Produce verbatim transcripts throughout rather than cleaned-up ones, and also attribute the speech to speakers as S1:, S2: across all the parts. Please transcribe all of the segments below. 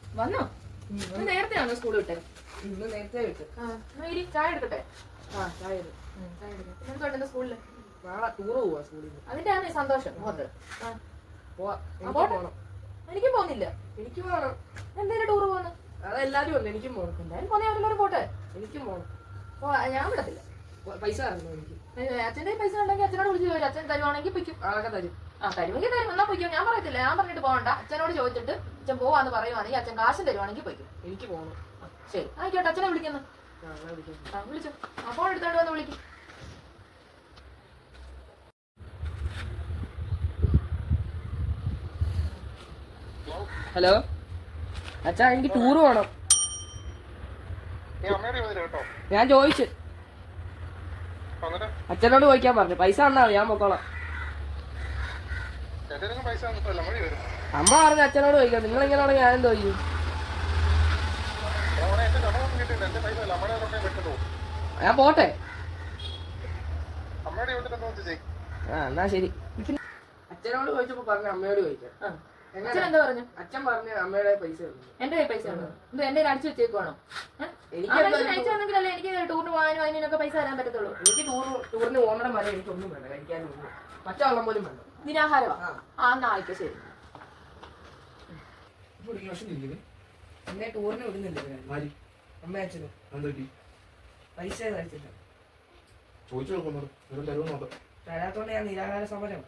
S1: വന്നോ? നേരത്തെ ആണോ സ്കൂൾ വിട്ടെ?
S2: ഇന്ന് നേരത്തെ വിട്ട്.
S1: ചായ എടുക്കട്ടെ?
S2: ആ ചായ
S1: ചായ എടുക്കാം. എന്തുകൊണ്ട് സ്കൂളില്?
S2: നാളെ ടൂറ് പോവാ സ്കൂളിൽ.
S1: അതിന്റെ ആണ് സന്തോഷം മുഖത്ത്.
S2: പോണം.
S1: എനിക്കും പോകുന്നില്ല.
S2: എനിക്ക് പോകണം.
S1: എന്തേലും ടൂറ് പോകുന്നു?
S2: അതെല്ലാരും ഉണ്ട്. എനിക്കും പോകണം.
S1: എന്തായാലും പോന്നെ അവരെല്ലാവരും പോട്ടെ.
S2: എനിക്കും പോകണം.
S1: ഞാൻ വിടത്തില്ല.
S2: പൈസ തരണം എനിക്ക്.
S1: അച്ഛന്റെ പൈസ ഉണ്ടെങ്കിൽ അച്ഛനോട് വിളിച്ചു ചോദിച്ചു. അച്ഛൻ തരുവാണെങ്കിൽ പൊയ്ക്കും.
S2: അതൊക്കെ തരും.
S1: ആ തരുമെങ്കിൽ തരും. എന്നാ പൊയ്ക്കും. ഞാൻ പറയത്തില്ല. ഞാൻ പറഞ്ഞിട്ട് പോകണ്ട. അച്ഛനോട് ചോദിച്ചിട്ട് അച്ഛൻ പോവാന്ന് പറയുവാണെങ്കിൽ അച്ഛൻ കാശും തരുവാണെങ്കിൽ പൊയ്ക്കും.
S2: എനിക്ക് പോകണം.
S1: ശരി ആയിക്കോട്ടെ. അച്ഛനെ വിളിക്കുന്നു. ആ വിളിച്ചു. ആ ഫോൺ എടുത്തോണ്ട് വന്ന് വിളിക്കും.
S2: ഹലോ അച്ഛാ, എനിക്ക് ടൂറ് പോണം. ഞാൻ ചോദിച്ചു. അച്ഛനോട് ചോദിക്കാൻ പറഞ്ഞു. പൈസ തന്നാ ഞാൻ പൊക്കോളാം. അമ്മ പറഞ്ഞു അച്ഛനോട് ചോദിക്കാം. നിങ്ങൾ എങ്ങനെയാണോ ഞാൻ എന്തോ ചെയ്യും. ഞാൻ പോട്ടെ. ആ എന്നാ ശരി. അച്ഛനോട് ചോദിച്ചപ്പോ പറഞ്ഞു അമ്മയോട് ചോദിക്കാം.
S1: അച്ഛൻ പറഞ്ഞു?
S2: അച്ഛൻ പറഞ്ഞു അമ്മയുടെ പൈസ
S1: എന്റെ പൈസ ഉണ്ടോ? എന്റെ അടിച്ചു വെച്ചേക്കുവാണോ? അയച്ചാണെങ്കിലല്ലേ എനിക്ക് ടൂറിന് പോകാനും അതിനൊക്കെ പൈസ തരാൻ പറ്റത്തുള്ളൂ.
S2: എനിക്ക് ടൂർ ടൂറിന് പോകുന്ന വരെ എനിക്കൊന്നും വേണ്ട. കഴിക്കാനും പച്ചവെള്ളം പോലും വേണ്ട.
S1: ദിനാഹാരമാ? ആ എന്നാ ആയിക്കോ. ശരി.
S2: എന്നെ ടൂറിന് വിടുന്നില്ല അമ്മ അച്ഛനും. പൈസ കഴിച്ചില്ല. തരാത്തോണ്ട് ഞാൻ നിരാഹാര സമരം.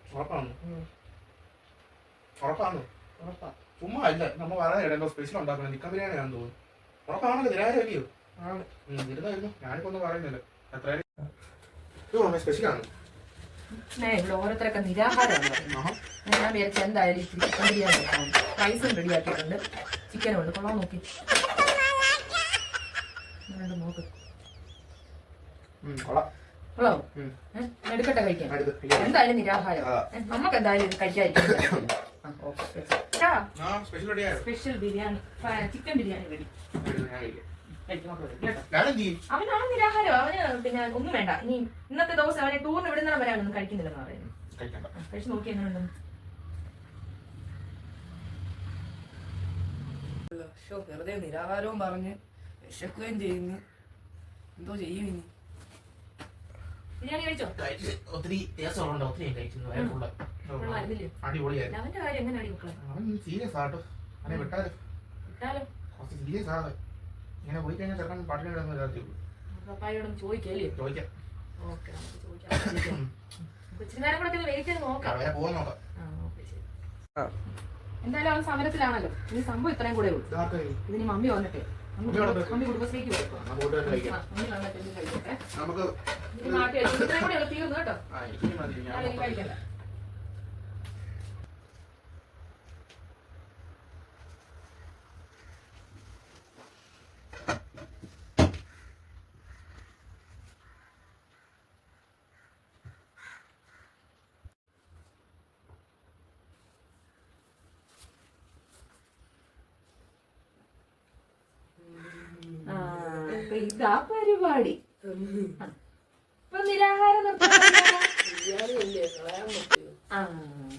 S3: ഉറപ്പാ? ചുമ്മാ അല്ല, നമ്മ പറയാൻ സ്പെഷ്യൽ ഉണ്ടാക്കണം. ചിക്കൻ ബിരിയാണി ആണെന്ന് തോന്നുന്നു. ഉറപ്പാണല്ലോ നിരാഹാരമല്ലയോ? ഇരുന്നായിരുന്നു. ഞാനിപ്പോ ഒന്നും പറയുന്നില്ല. എത്ര സ്പെഷ്യലാണ്
S1: ഓരോരുത്തരൊക്കെ നിരാഹാരമാണ്. ഞാൻ വിചാരിച്ച എന്തായാലും ചിക്കൻ ബിരിയാണി വെക്കാം. റൈസും റെഡിയാക്കിയിട്ടുണ്ട്. ചിക്കനും ഉണ്ട്. കൊള്ളാൻ നോക്കി നോക്ക്. കൊള്ളാമോ? എടുക്കട്ടെ കഴിക്കാൻ? എന്തായാലും നിരാഹാരം. നമുക്ക് എന്തായാലും ഇത് കഴിക്കാതിരിക്കും. Special biryani, chicken biryani ready. അവനാണ് നിരാഹാരം. അവന് പിന്നെ ഒന്നും വേണ്ട. ഇനി ഇന്നത്തെ ദിവസം അവനെ ടൂറിന് വിടുന്ന വരെ അവനൊന്നും കഴിക്കുന്നില്ലെന്ന് പറയുന്നു. കഴിച്ചു നോക്കി എങ്ങനെയുണ്ട്?
S2: വെറുതെ നിരാഹാരവും പറഞ്ഞ് വിശക്കുകയും ചെയ്യുന്നു. എന്തോ ചെയ്യും ഇനി?
S1: ബിരിയാണി കഴിച്ചോ?
S3: ഒത്തിരി ടേസ്റ്റ് ഒത്തിരി കഴിച്ചു. അടിപൊളിയായിരുന്നു.
S1: അവന്റെ കാര്യം എങ്ങനെയാണ് മക്കളെ?
S3: അവൻ സീരിയസ് ആട്ടോ. അവനെ വിട്ടാലോ?
S1: വിട്ടാലോ?
S3: കുറച്ച് സീരിയസ് ആണ്. ഇങ്ങനെ പോയി കഴിഞ്ഞാൽ ചെറുക്കൻ പാട്ടിനെ കിടന്ന് വിചാരിച്ചു.
S1: പപ്പായോടൊന്ന് ചോദിക്കല്ലേ?
S3: ചോദിക്കാം.
S1: ഓക്കെ, നമുക്ക് ചോദിക്കാം. കൊച്ചിന് നേരം കൂടെ വെയിറ്റ് ചെയ്ത് നോക്കാം.
S3: പോകാൻ നോക്കാം.
S1: എന്തായാലും അവൻ സമരത്തിലാണല്ലോ. ഇനി സംഭവം ഇത്രയും കൂടെ ഉള്ളൂ. ഇതിന് മമ്മി വന്നിട്ടേ മമ്മി കുടുംബശ്രീക്ക് കൊടുക്കാം.
S3: നമുക്ക്
S1: നാട്ടിൽ ഇത്രയും കൂടെ തീർന്നു കേട്ടോ. കഴിക്കണ്ട. ഇതാ പരിപാടി. ഇപ്പൊ നിരാഹാരം നിർത്താൻ